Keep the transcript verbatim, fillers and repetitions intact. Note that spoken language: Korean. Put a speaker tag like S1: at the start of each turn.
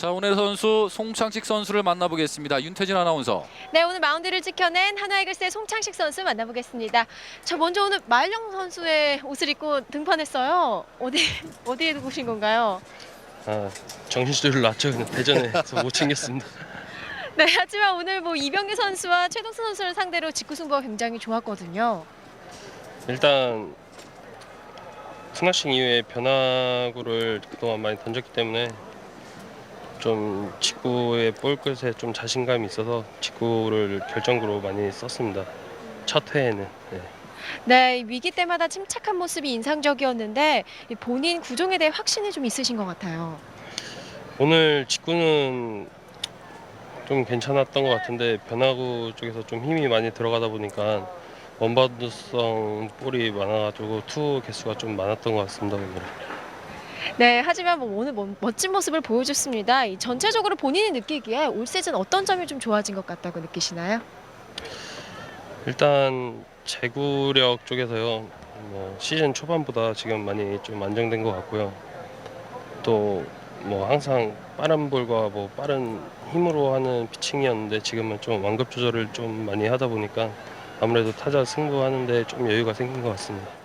S1: 자, 오늘 선수 송창식 선수를 만나보겠습니다. 윤태진 아나운서.
S2: 네, 오늘 마운드를 지켜낸 한화이글스의 송창식 선수 만나보겠습니다. 저 먼저 오늘 마일령 선수의 옷을 입고 등판했어요. 어디 어디에 두고 오신 건가요?
S3: 아, 정신줄을 놨죠. 그냥 대전에서 못 챙겼습니다.
S2: 네, 하지만 오늘 뭐 이병규 선수와 최동수 선수를 상대로 직구 승부가 굉장히 좋았거든요.
S3: 일단 스나싱 이후에 변화구를 그동안 많이 던졌기 때문에 좀 직구의 볼 끝에 좀 자신감이 있어서 직구를 결정구로 많이 썼습니다. 첫 회에는. 네.
S2: 네, 위기 때마다 침착한 모습이 인상적이었는데 본인 구종에 대해 확신이 좀 있으신 것 같아요.
S3: 오늘 직구는 좀 괜찮았던 것 같은데 변화구 쪽에서 좀 힘이 많이 들어가다 보니까 원바운드성 볼이 많아가지고 투 개수가 좀 많았던 것 같습니다. 오늘.
S2: 네, 하지만 뭐 오늘 뭐 멋진 모습을 보여줬습니다. 이 전체적으로 본인이 느끼기에 올 시즌 어떤 점이 좀 좋아진 것 같다고 느끼시나요?
S3: 일단 제구력 쪽에서요. 뭐 시즌 초반보다 지금 많이 좀 안정된 것 같고요. 또 뭐 항상 빠른 볼과 뭐 빠른 힘으로 하는 피칭이었는데 지금은 좀 완급 조절을 좀 많이 하다 보니까 아무래도 타자 승부하는데 좀 여유가 생긴 것 같습니다.